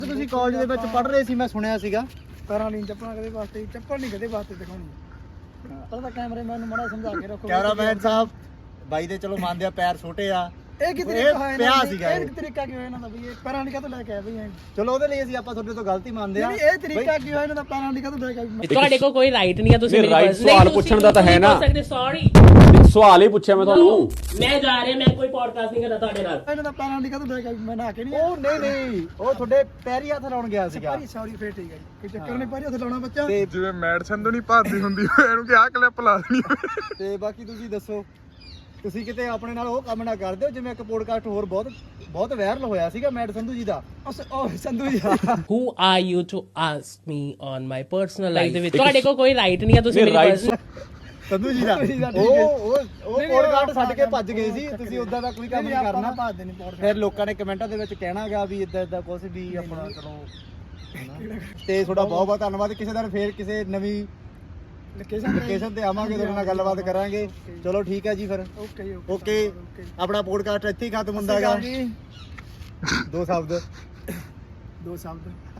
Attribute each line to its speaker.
Speaker 1: ਤੁਸੀਂ ਕਾਲਜ ਦੇ ਵਿੱਚ ਪੜ੍ਹ ਰਹੇ ਸੀ, ਮੈਂ ਸੁਣਿਆ ਸੀਗਾ।
Speaker 2: ਪੈਰਾਂ ਨਹੀਂ ਚੱਪਲਾਂ ਕਦੇ ਵਾਸਤੇ, ਚੱਪਲ ਨਹੀਂ ਕਦੇ ਵਾਸਤੇ ਦਿਖਾਉਣੀ। ਪਹਿਲਾਂ ਤਾਂ ਕੈਮਰਾਮੈਨ ਨੂੰ ਮਾੜਾ ਸਮਝਾ ਕੇ ਰੱਖੋ।
Speaker 1: ਕੈਮਰਾਮੈਨ ਸਾਹਿਬ ਬਾਈ ਦੇ ਚਲੋ ਮੰਨਦੇ ਆ ਪੈਰ ਛੋਟੇ ਆ,
Speaker 2: ਇਹ ਕੀ ਤਰੀਕਾ ਹੋਇਆ
Speaker 1: ਪਿਆ ਸੀਗਾ
Speaker 2: ਇਹ ਤਰੀਕਾ ਕੀ ਹੋਇਆ ਇਹਨਾਂ ਦਾ ਵੀ ਇਹ ਪੈਰਾਂ ਦੀ ਕਾਹਤੋਂ ਲੈ ਕੇ ਆਏ ਬਈ?
Speaker 1: ਚਲੋ ਉਹਦੇ ਲਈ ਅਸੀਂ ਆਪਾਂ ਤੁਹਾਡੇ ਤੋਂ ਗਲਤੀ ਮੰਨਦੇ ਆ।
Speaker 2: ਨਹੀਂ ਇਹ ਤਰੀਕਾ ਕੀ ਹੋਇਆ ਇਹਨਾਂ ਦਾ ਪੈਰਾਂ ਦੀ ਕਾਹਤੋਂ ਲੈ ਕੇ ਆਏ?
Speaker 3: ਤੁਹਾਡੇ ਕੋਲ ਕੋਈ ਰਾਈਟ ਨਹੀਂ ਆ, ਤੁਸੀਂ
Speaker 4: ਰਾਈਟ ਸਵਾਲ ਪੁੱਛਣ ਦਾ ਤਾਂ ਹੈ ਨਾ।
Speaker 3: ਸੌਰੀ
Speaker 4: ਸਵਾਲ ਹੀ ਪੁੱਛਿਆ ਮੈਂ ਤੁਹਾਨੂੰ।
Speaker 3: ਮੈਂ ਜਾ ਰਿਹਾ, ਮੈਂ ਕੋਈ ਪੋਡਕਾਸਟ ਨਹੀਂ ਕਰਦਾ ਤੁਹਾਡੇ ਨਾਲ।
Speaker 2: ਇਹਨਾਂ ਦਾ ਪੈਰਾਂ ਦੀ ਕਾਹਤੋਂ ਲੈ ਕੇ ਆਏ? ਮੈਂ ਨਹਾ ਕੇ ਨਹੀਂ
Speaker 1: ਉਹ ਨਹੀਂ ਉਹ ਤੁਹਾਡੇ ਪੈਰੀ ਹੱਥ ਲਾਉਣ ਗਿਆ ਸੀਗਾ।
Speaker 2: ਸੌਰੀ ਫੇਰ ਠੀਕ ਹੈ ਜੀ, ਕੋਈ ਚੱਕਰ ਨਹੀਂ, ਪੈਰੀ ਹੱਥ ਲਾਉਣਾ ਬੱਚਾ।
Speaker 1: ਤੇ
Speaker 5: ਜਿਵੇਂ ਮੈਡ ਸੰਧੂ ਨਹੀਂ ਭਰਦੀ ਹੁੰਦੀ ਇਹਨੂੰ ਕਿ ਆਹ ਕਲਿੱਪ ਲਾ ਦੇਣੀ।
Speaker 1: ਤੇ ਬਾਕੀ ਤੁਸੀਂ ਦੱਸੋ, ਤੁਸੀਂ ਕਿਤੇ ਆਪਣੇ ਨਾਲ ਉਹ ਕੰਮ ਨਾ ਕਰਦੇ ਹੋ ਜਿਵੇਂ ਇੱਕ ਪੋਡਕਾਸਟ ਹੋਰ ਬਹੁਤ ਵਾਇਰਲ ਹੋਇਆ ਸੀਗਾ ਮੈਡ ਸੰਧੂ ਜੀ ਦਾ।
Speaker 2: ਉਹ ਸੰਧੂ ਜੀ
Speaker 3: Who are you to ask me on my personal life ਦੇ ਵਿੱਚ? ਤੁਹਾਡੇ ਕੋਲ ਕੋਈ ਰਾਈਟ ਨਹੀਂ ਆ, ਤੁਸੀਂ ਮੇਰੀ personal
Speaker 1: ਸੰਧੂ ਜੀ ਦਾ ਉਹ ਪੋਡਕਾਸਟ ਛੱਡ ਕੇ ਭੱਜ ਗਏ ਸੀ। ਤੁਸੀਂ ਉਦਾਂ ਦਾ ਕੋਈ ਕੰਮ ਨਹੀਂ ਕਰਨਾ।
Speaker 2: ਭਾਜਦੇ ਨਹੀਂ ਪੋਡਕਾਸਟ।
Speaker 1: ਫਿਰ ਲੋਕਾਂ ਨੇ ਕਮੈਂਟਾਂ ਦੇ ਵਿੱਚ ਕਹਿਣਾਗਾ ਵੀ ਇਦਾਂ ਕੁਝ ਵੀ ਆਪਣਾ ਚਲੋ। ਤੇ ਤੁਹਾਡਾ ਬਹੁਤ ਬਹੁਤ ਧੰਨਵਾਦ। ਕਿਸੇ ਦਿਨ ਫੇਰ ਕਿਸੇ ਨਵੀਂ ਲੋਕੇਸ਼ਨ ਤੇ ਆਵਾਂਗੇ, ਤੁਹਾਡੇ ਨਾਲ ਗੱਲਬਾਤ ਕਰਾਂਗੇ। ਚਲੋ ਠੀਕ ਹੈ ਜੀ ਫਿਰ। ਓਕੇ ਆਪਣਾ ਪੋਡਕਾਸਟ ਇੱਥੇ ਹੀ ਖਤਮ ਹੁੰਦਾ ਹੈਗਾ। ਦੋ ਸ਼ਬਦ